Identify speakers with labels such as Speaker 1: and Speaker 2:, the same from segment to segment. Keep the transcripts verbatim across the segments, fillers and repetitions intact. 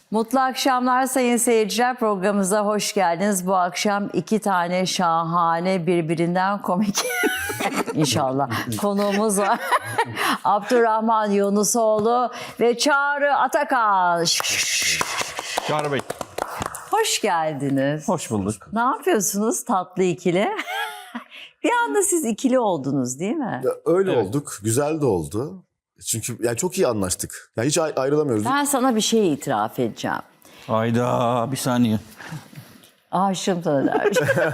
Speaker 1: Mutlu akşamlar sayın seyirciler. Programımıza hoş geldiniz. Bu akşam iki tane şahane birbirinden komik inşallah konuğumuz var. Abdurrahman Yunusoğlu ve Çağrı Atakan.
Speaker 2: Çağrı Bey.
Speaker 1: Hoş geldiniz.
Speaker 2: Hoş bulduk.
Speaker 1: Ne yapıyorsunuz tatlı ikili? Bir anda siz ikili oldunuz değil mi?
Speaker 3: Ya öyle
Speaker 2: Evet.
Speaker 3: olduk. Güzel de oldu. Çünkü yani çok iyi anlaştık. Yani hiç ay- ayrılamıyoruz.
Speaker 1: Ben sana bir şey itiraf edeceğim.
Speaker 2: Hayda bir saniye.
Speaker 1: Aşığım sana dermiş.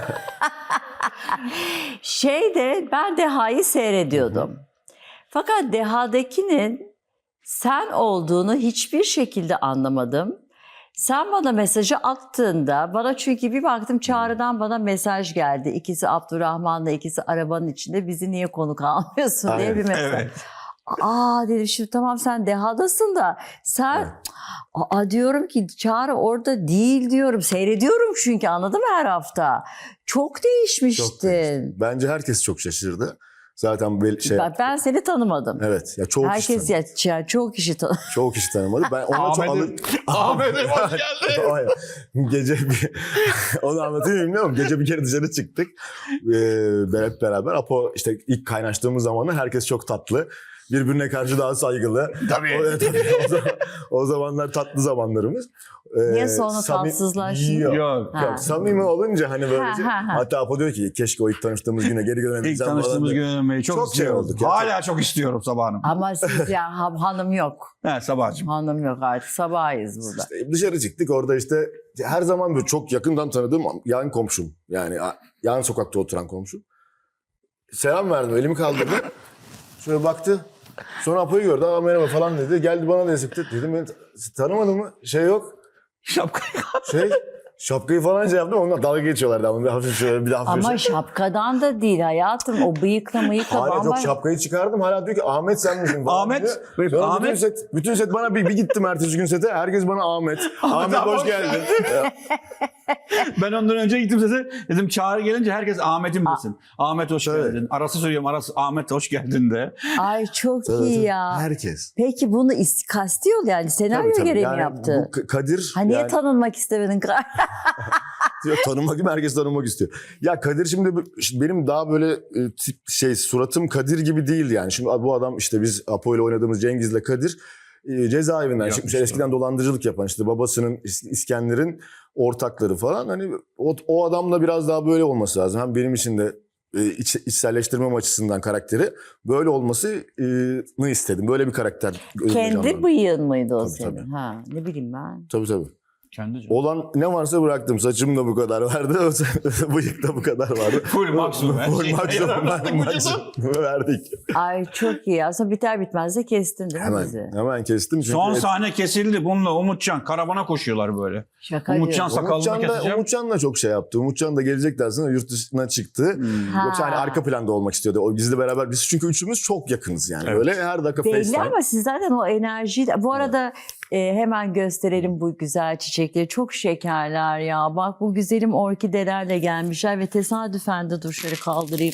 Speaker 1: Şeyde ben Deha'yı seyrediyordum. Fakat Deha'dakinin sen olduğunu hiçbir şekilde anlamadım. Sen bana mesajı attığında, bana çünkü bir baktım Çağrı'dan bana mesaj geldi. İkisi Abdurrahman'la, ikisi arabanın içinde, bizi niye konuk almıyorsun diye
Speaker 3: Aynen.
Speaker 1: bir mesaj.
Speaker 2: Evet.
Speaker 1: Aa dedim şimdi tamam sen Deha'dasın da sen...
Speaker 3: Evet.
Speaker 1: Aa diyorum ki Çağrı orada değil diyorum. Seyrediyorum çünkü anladın mı her hafta. Çok değişmiştin.
Speaker 3: Çok değişti. Bence herkes çok şaşırdı. Zaten böyle şey...
Speaker 1: Ben, ben seni tanımadım.
Speaker 3: Evet. Ya çoğu
Speaker 1: Herkes
Speaker 3: kişi tanımadı.
Speaker 1: ya, ya çok kişi tanıdı.
Speaker 3: Çoğu kişi tanımadı. Ben ona çok alır...
Speaker 2: Ahmet'im. Ahmet'im hoş geldin.
Speaker 3: Aynen. Gece bir... Onu anlatayım bilmiyorum. Gece bir kere dışarı çıktık. Ee, hep beraber. Apo işte ilk kaynaştığımız zamanlar herkes çok tatlı. Birbirine karşı daha saygılı.
Speaker 2: Tabii.
Speaker 3: O, tabii o, zaman, o zamanlar tatlı zamanlarımız. Ee,
Speaker 1: Niye sonra
Speaker 3: samim-
Speaker 1: tatsızlaştın?
Speaker 3: Yok.
Speaker 2: Yok.
Speaker 1: Ha.
Speaker 3: Yok, samimi olunca hani böyle
Speaker 1: Ha, ha, ha.
Speaker 3: hatta Apo diyor ki keşke o ilk tanıştığımız güne geri
Speaker 2: İlk
Speaker 3: dönebilsem
Speaker 2: tanıştığımız
Speaker 3: falan.
Speaker 2: gün dönmeyi çok,
Speaker 3: Çok şey
Speaker 2: istiyorum.
Speaker 3: olduk ya.
Speaker 2: Hala çok istiyorum Sabah Hanım.
Speaker 1: Ama siz ya ha- hanım yok.
Speaker 2: He Sabahcığım.
Speaker 1: Hanım yok artık sabahıyız burada.
Speaker 3: İşte dışarı çıktık orada işte her zaman böyle çok yakından tanıdığım yan komşum. Yani a- yan sokakta oturan komşum. Selam verdim, elimi kaldırdı. Şöyle baktı. Sonra Apo'yu gördü. Aa merhaba falan dedi. Geldi bana da sıktı. Dedim beni tanımadın mı? Şey yok.
Speaker 2: Şapkayı
Speaker 3: Şey şapkayı falan şey yaptım. Onlar dalga geçiyorlardı. Ama bir hafif şöyle bir de hafif
Speaker 1: Ama
Speaker 3: şey.
Speaker 1: şapkadan da değil hayatım. O bıyıkla mıyıkla
Speaker 3: Hala
Speaker 1: bamba.
Speaker 3: çok şapkayı çıkardım. Hala diyor ki Ahmet sen misin falan
Speaker 2: Ahmet,
Speaker 3: diyor.
Speaker 2: buyur,
Speaker 3: Sonra
Speaker 2: Ahmet.
Speaker 3: Bütün set, bütün set bana bir, bir gittim ertesi gün sete. Herkes bana Ahmet. Ahmet
Speaker 2: abi,
Speaker 3: hoş
Speaker 2: hoş
Speaker 3: geldin. Ya,
Speaker 2: Ben ondan önce gittim size. Dedim Çağrı gelince herkes Ahmet'im desin. Ahmet hoş
Speaker 3: Evet.
Speaker 2: geldin. Arası söylüyorum arası Ahmet hoş geldin de.
Speaker 1: Ay çok
Speaker 3: tabii,
Speaker 1: iyi
Speaker 3: tabii.
Speaker 1: ya.
Speaker 3: Herkes.
Speaker 1: Peki bunu ist- kasti yol yani senaryo
Speaker 3: Tabii, tabii.
Speaker 1: gereği mi
Speaker 3: Yani
Speaker 1: yaptı?
Speaker 3: bu K- Kadir
Speaker 1: Ha niye
Speaker 3: yani,
Speaker 1: tanınmak istemedin?
Speaker 3: diyor, tanınmak gibi herkes tanınmak istiyor. Ya Kadir şimdi bu- şimdi benim daha böyle e, tip şey suratım Kadir gibi değil yani. Şimdi bu adam işte biz Apo ile oynadığımız Cengiz'le Kadir e, cezaevinden
Speaker 2: Yapmışlar.
Speaker 3: çıkmış. Eskiden dolandırıcılık yapan işte babasının İs- İskender'in ortakları falan. Hani o, o adamla biraz daha böyle olması lazım. Hem benim için de e, iç, içselleştirmem açısından karakteri böyle olmasını istedim. Böyle bir karakter. gözüme
Speaker 1: Kendi
Speaker 3: canlandı.
Speaker 1: bıyığın mıydı o
Speaker 3: Tabii,
Speaker 1: senin?
Speaker 3: tabii.
Speaker 1: Ha, ne bileyim ben.
Speaker 3: Tabii tabii.
Speaker 2: Kendi
Speaker 3: Olan ne varsa bıraktım. Saçım da bu kadar vardı. Bıyık da bu kadar vardı.
Speaker 2: Full maksimum. her
Speaker 3: Full
Speaker 2: şey.
Speaker 3: maksimum. maksimum verdik.
Speaker 1: Ay çok iyi. Aslında biter bitmez de kestin değil mi
Speaker 3: Hemen,
Speaker 1: bizi?
Speaker 3: hemen kestim. Çünkü
Speaker 2: Son
Speaker 3: et-
Speaker 2: sahne kesildi. Bununla Umutcan karavana koşuyorlar böyle.
Speaker 1: Şaka
Speaker 2: Umutcan
Speaker 1: diyorum.
Speaker 2: sakalını
Speaker 3: Umutcan da,
Speaker 2: keseceğim.
Speaker 3: Umutcan da çok şey yaptı. Umutcan da gelecek dersine yurt dışına çıktı.
Speaker 2: Hmm.
Speaker 1: Ha.
Speaker 3: Yoksa hani arka planda olmak istiyordu. O bizle beraber. Biz çünkü üçümüz çok yakınız yani.
Speaker 2: Evet.
Speaker 3: Böyle her dakika
Speaker 1: Belli
Speaker 3: FaceTime.
Speaker 1: ama siz zaten o enerjiyi... Bu arada e, hemen gösterelim bu güzel çiçekleri. Çok şekerler ya. Bak bu güzelim orkidelerle gelmişler ve tesadüfen de dur şöyle kaldırayım.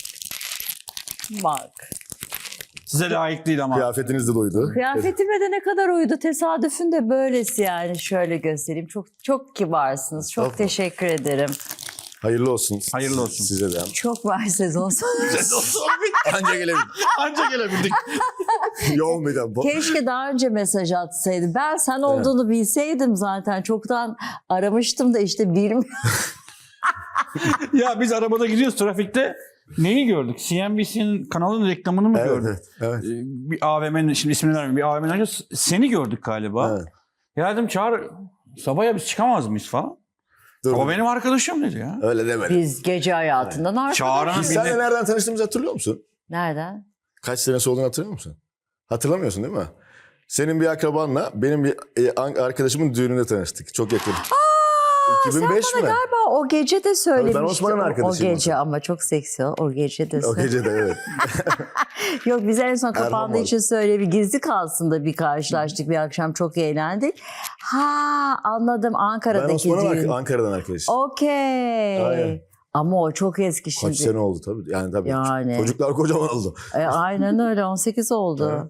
Speaker 1: Bak.
Speaker 2: Size layık değil ama.
Speaker 3: Kıyafetiniz de doydu.
Speaker 1: Kıyafetime de ne kadar uydu. Tesadüfün de böylesi yani. Şöyle göstereyim. Çok çok kibarsınız. Çok
Speaker 3: Estağfurullah.
Speaker 1: teşekkür ederim.
Speaker 3: Hayırlı olsun.
Speaker 2: Hayırlı olsun.
Speaker 3: Size de.
Speaker 1: Çok var sezon sonu.
Speaker 3: Anca gelebildik.
Speaker 2: Anca gelebildik.
Speaker 3: Yoğun bir tempo.
Speaker 1: Keşke daha önce mesaj atsaydı. Ben sen olduğunu bilseydim zaten. Çoktan aramıştım da işte bilmiyorum.
Speaker 2: Ya biz arabada gidiyoruz trafikte. Neyi gördük? C N B C'nin kanalının reklamını mı
Speaker 3: Evet,
Speaker 2: gördük?
Speaker 3: evet, evet.
Speaker 2: Ee, Bir A V M'nin, şimdi ismini vermeyeyim. Bir A V M'nin önce seni gördük galiba.
Speaker 3: Evet.
Speaker 2: Ya dedim Çağrı, sabaya biz çıkamaz mıyız falan.
Speaker 3: Dur.
Speaker 2: O benim arkadaşım dedi ya.
Speaker 3: Öyle demedim.
Speaker 1: Biz gece hayatından arkadaşız.
Speaker 2: Çağrı'nın
Speaker 3: Biz
Speaker 2: bir
Speaker 3: seninle
Speaker 2: de...
Speaker 3: nereden tanıştığımızı hatırlıyor musun?
Speaker 1: Nereden?
Speaker 3: Kaç senesi olduğunu hatırlıyor musun? Hatırlamıyorsun değil mi? Senin bir akrabanla benim bir e, an- arkadaşımın düğününde tanıştık. Çok yakın. iki bin beş
Speaker 1: Sen bana
Speaker 3: mi?
Speaker 1: galiba o gece de söylemiştin.
Speaker 3: Osman'ın
Speaker 1: O-
Speaker 3: arkadaşıyım
Speaker 1: O gece
Speaker 3: o
Speaker 1: ama çok seksi. O gece de
Speaker 3: O
Speaker 1: söyle-
Speaker 3: gece de evet.
Speaker 1: Yok biz en son
Speaker 3: Erman
Speaker 1: kapandığı
Speaker 3: var.
Speaker 1: için söyle bir gizli kalsın da bir karşılaştık bir akşam çok eğlendik. Ha anladım
Speaker 3: Ben
Speaker 1: Ankara'daki
Speaker 3: Osman'ın
Speaker 1: düğün.
Speaker 3: ark- Ankara'dan arkadaşım.
Speaker 1: Okey.
Speaker 3: Aynen.
Speaker 1: Ama o çok eski şimdi.
Speaker 3: Kaç sene oldu tabii. Yani tabii.
Speaker 1: Yani.
Speaker 3: Çocuklar kocaman oldu.
Speaker 1: E, aynen öyle on sekiz oldu.
Speaker 3: Evet.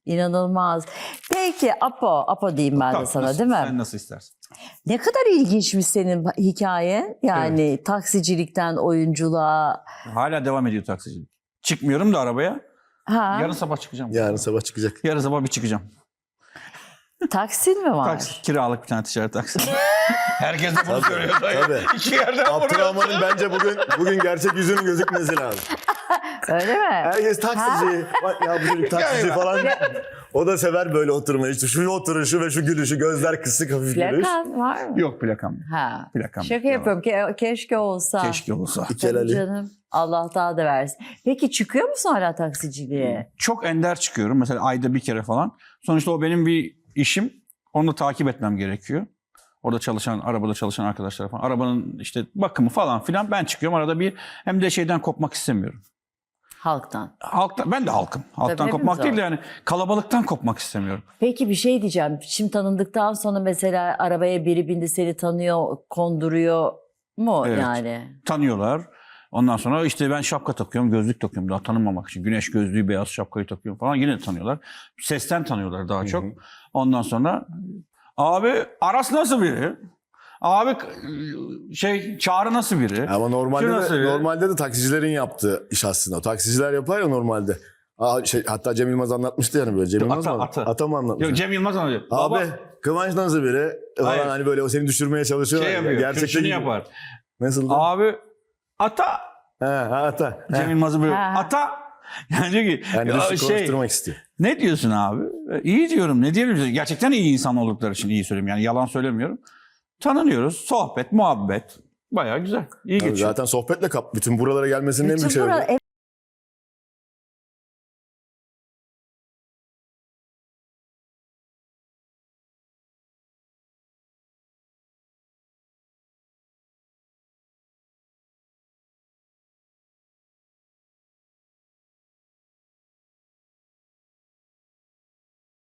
Speaker 1: İnanılmaz. Peki Apo, Apo diyeyim ben de
Speaker 2: Tabii,
Speaker 1: sana
Speaker 2: nasıl-
Speaker 1: değil mi?
Speaker 2: Sen nasıl istersen.
Speaker 1: Ne kadar ilginçmiş senin hikayen. Yani taksicilikten oyunculuğa.
Speaker 2: Hala devam ediyor taksicilik. Çıkmıyorum da arabaya.
Speaker 1: Ha,
Speaker 2: Yarın sabah çıkacağım.
Speaker 3: Yarın sabah çıkacak.
Speaker 2: Yarın sabah bir çıkacağım.
Speaker 1: taksin mi var?
Speaker 2: Taksi, kiralık bir tane ticaret taksi. Herkes de bunu
Speaker 3: Tabii,
Speaker 2: söylüyor.
Speaker 3: tabii.
Speaker 2: İki yerden vuruyor.
Speaker 3: Abdurrahman'ın bence bugün bugün gerçek yüzünün gözükmesi lazım.
Speaker 1: Öyle mi?
Speaker 3: Herkes taksici. Bak ya bu çocuk taksici falan. O da sever böyle oturmayı. İşte şu oturuşu ve şu gülüşü. Gözler kısık hafif gülüş.
Speaker 1: Plakan var mı?
Speaker 2: Yok plakam. yok.
Speaker 1: Ha.
Speaker 2: Plakam.
Speaker 1: Şaka
Speaker 2: yok.
Speaker 1: yapıyorum. Ke- keşke olsa.
Speaker 2: Keşke olsa.
Speaker 3: İkel
Speaker 1: Tabii
Speaker 3: Ali.
Speaker 1: canım. Allah daha da versin. Peki çıkıyor musun hala taksiciliğe?
Speaker 2: Çok ender çıkıyorum. Mesela ayda bir kere falan. Sonuçta o benim bir işim. Onu da takip etmem gerekiyor. Orada çalışan, arabada çalışan arkadaşlar falan. Arabanın işte bakımı falan filan. Ben çıkıyorum arada bir. Hem de şeyden kopmak istemiyorum.
Speaker 1: Halktan.
Speaker 2: Halktan, ben de halkım. Halktan
Speaker 1: Tabii,
Speaker 2: kopmak
Speaker 1: hepimiz
Speaker 2: değil de yani kalabalıktan kopmak istemiyorum.
Speaker 1: Peki bir şey diyeceğim. Şimdi tanındıktan sonra mesela arabaya biri bindi seni tanıyor, konduruyor mu
Speaker 2: Evet.
Speaker 1: yani?
Speaker 2: Tanıyorlar. Ondan sonra işte ben şapka takıyorum, gözlük takıyorum daha tanınmamak için. Güneş gözlüğü, beyaz şapkayı takıyorum falan. Yine de tanıyorlar. Sesten tanıyorlar daha çok. Ondan sonra abi Aras nasıl biri? Abi şey Çağrı nasıl biri?
Speaker 3: Ama normalde
Speaker 2: Şu
Speaker 3: de,
Speaker 2: nasıl biri?
Speaker 3: normalde de taksicilerin yaptığı iş aslında. O taksiciler yapar ya normalde. Aa, şey, hatta Cem Yılmaz anlatmıştı yani böyle. Cem
Speaker 2: Yok,
Speaker 3: Yılmaz
Speaker 2: ata,
Speaker 3: mı?
Speaker 2: ata.
Speaker 3: Ata mı anlatmış?
Speaker 2: Yok, Cem Yılmaz anlatıyor.
Speaker 3: Abi
Speaker 2: Baba
Speaker 3: Kıvanç nasıl biri? Falan
Speaker 2: Hayır.
Speaker 3: hani böyle o seni düşürmeye çalışıyor.
Speaker 2: şey yapıyor.
Speaker 3: Gerçekten
Speaker 2: Şunu yapar.
Speaker 3: Nasıl? da?
Speaker 2: Abi ata
Speaker 3: He, ha, ata.
Speaker 2: Cem
Speaker 3: He.
Speaker 2: Yılmaz'ı böyle
Speaker 1: Ha.
Speaker 2: ata yani diyor ki
Speaker 3: Yani
Speaker 2: ya
Speaker 3: Rüştü
Speaker 2: şey
Speaker 3: konuşturmak istiyor.
Speaker 2: ne diyorsun abi? E, İyi diyorum. Ne diyebilirim? Gerçekten iyi insan oldukları için iyi söylüyorum. Yani yalan söylemiyorum. Tanınıyoruz. Sohbet, muhabbet. Bayağı güzel. İyi
Speaker 3: Tabii
Speaker 2: geçiyor.
Speaker 3: zaten sohbetle kap. Bütün buralara gelmesinin en
Speaker 1: Bütün
Speaker 3: büyük sebebi.
Speaker 1: bura-